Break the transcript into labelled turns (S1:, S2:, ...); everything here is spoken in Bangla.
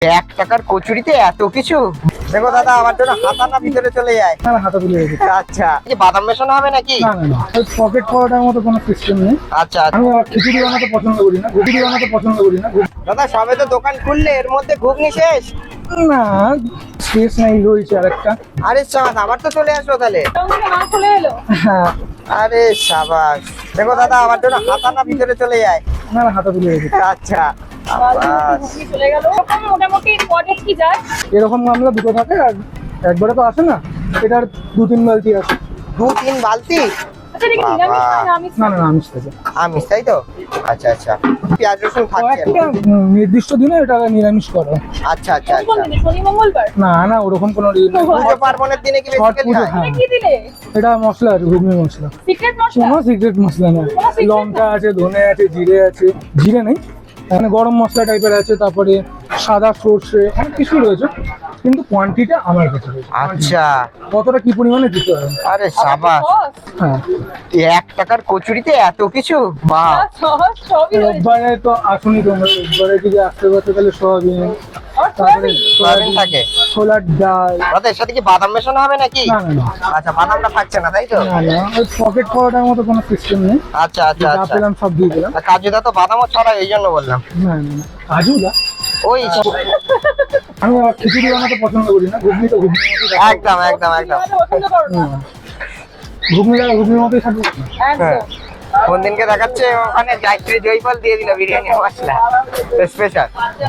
S1: 1 টাকার কচুরিতে এত কিছু। দেখো দাদা, আমার জন্য হাতাটা ভিতরে চলে যায়।
S2: না হাতা তুলে রেখেছি।
S1: আচ্ছা, কি বাদাম মেশানো হবে নাকি?
S2: না না না, ওই পকেট পরোটার মতো কোনো সিস্টেম নেই।
S1: আচ্ছা
S2: আমি আবার খিচুড়ি বানাতে পছন্দ করি না, ঘুগনি বানাতে পছন্দ করি না।
S1: দাদা, সবে তো দোকান খুললে, এর মধ্যে ঘুগনি শেষ।
S2: না স্পেস নাই, রয়েছে আরেকটা।
S1: আরে সাবাস, আবার তো চলে আসলো তাহলে।
S2: হ্যাঁ।
S1: আরে সাবাস। দেখো দাদা, আমার জন্য হাতাটা ভিতরে চলে যায়।
S2: না না হাতা তুলে রেখেছি।
S1: আচ্ছা সাবাস।
S2: এরকম গামলা দুটো থাকে, আর একবারে তো আসে না, এটার 2-3 বালতি আছে।
S1: 2-3 বালতি?
S2: না না না, আমিষ থাকে।
S1: আমিষ, তাই তো? আচ্ছা আচ্ছা, পেঁয়াজ রসুন থাকছে?
S2: একটা নির্দিষ্ট দিনে এটা নিরামিষ করে।
S1: আচ্ছা আচ্ছা আচ্ছা।
S2: না না, ওরকম কোনো দিন নেই।
S1: পুজো পার্বণের দিনে কি
S2: ছট
S1: বেশি
S2: পুজো,
S1: খায়?
S2: হ্যাঁ। এটা মশলা আছে, ঘুগনি মশলা। কোনো সিক্রেট মশলা না। লঙ্কা আছে, ধনে আছে, জিরে আছে। জিরে নেই, মানে গরম মশলা টাইপের আছে, তারপরে সাদা সর্ষে, অনেক কিছু রয়েছে, কিন্তু কোয়ান্টিটি আমার কাছে রয়েছে।
S1: আচ্ছা।
S2: কতটা কি পরিমাণে দিতে হবে।
S1: আরে সাবাস।
S2: হ্যাঁ,
S1: 1 টাকার কচুরিতে এত কিছু, বাহ।
S2: রোববারে তো আসুনি তোমরা, রোববারে যদি আসতে পারতো তাহলে সোয়াবিন, তারপরে
S1: সয়াবিন থাকে?
S2: ছোলার ডাল।
S1: দাদা, এর সাথে কি বাদাম মেশানো হবে নাকি?
S2: না না না,
S1: আচ্ছা, বাদামটা থাকছে না, তাই তো?
S2: না না, ওই পকেট পরোটার মতো কোনো সিস্টেম নেই।
S1: আচ্ছা আচ্ছা
S2: যা
S1: আচ্ছা।
S2: পেলাম সব দিয়ে দিলাম।
S1: আর কাজুদা তো বাদামও ছড়ায়, এই জন্য বললাম।
S2: না না না, কাজু না।
S1: ওই
S2: আমি আবার খিচুড়ি বানাতে পছন্দ করি না, ঘুগনি তো ঘুগনির মতোই থাকে।
S1: একদম একদম একদম।
S2: না, ঘুগনির মতোই থাকে।
S1: হ্যাঁ। কোন দিনকে দেখাচ্ছে ওখানে গায়ত্রী জয়ফল দিয়ে দিল বিরিয়ানি মশলা স্পেশাল।